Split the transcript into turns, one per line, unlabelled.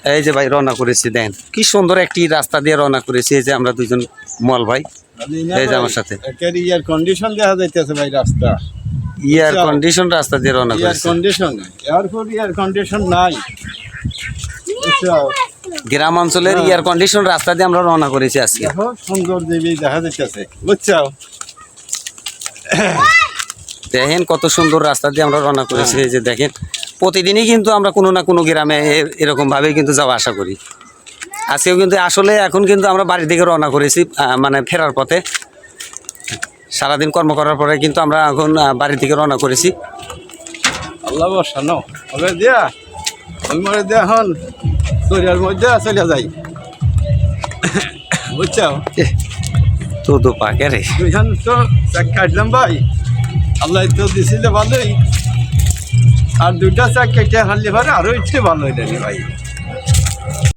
এই যে ভাই রওনা করেছি, দেন কি সুন্দর একটি রাস্তা দিয়ে রওনা করেছি। এই যে আমরা দুইজন মল ভাই, এই যে আমার সাথে
ইয়ার কন্ডিশন দেখা যাইতেছে ভাই রাস্তা,
ইয়ার কন্ডিশন রাস্তা দিয়ে রওনা
ইয়ার
করেছি।
কন্ডিশন এয়ারপোর্ট ইয়ার কন্ডিশন নাই, বুঝছো?
গ্রাম অঞ্চলের ইয়ার কন্ডিশন রাস্তা দিয়ে আমরা রওনা করেছি আজকে।
দেখো সুন্দর দেবী দেখা যাইতেছে, বুঝছো?
দেখেন কত সুন্দর রাস্তা দিয়ে আমরা রওনা করেছি। এই যে দেখেন প্রতিদিনই কিন্তু আমরা কোনো না কোনো গ্রামে এরকম ভাবে কিন্তু যাওয়া আশা করি। আজকেও কিন্তু আসলে এখন কিন্তু আমরা বাড়ি থেকে রওনা করেছি, মানে ফেরার পথে। সারাদিন কর্ম করার পরে কিন্তু আমরা এখন বাড়ি থেকে রওনা করেছি।
আল্লাহ বসানো হবে দিয়া ওই মরে দিয়া এখন শরীরের মধ্যে চলে যাই, বুঝছো?
তো পাকে রে
দুইখান তো চাক কাটলাম ভাই, আল্লাহ তো দিছিলে ভালোই, আর দুইটা চাক কেটে হারলে পারে আরো ইচ্ছে ভালো হইলেনি ভাই।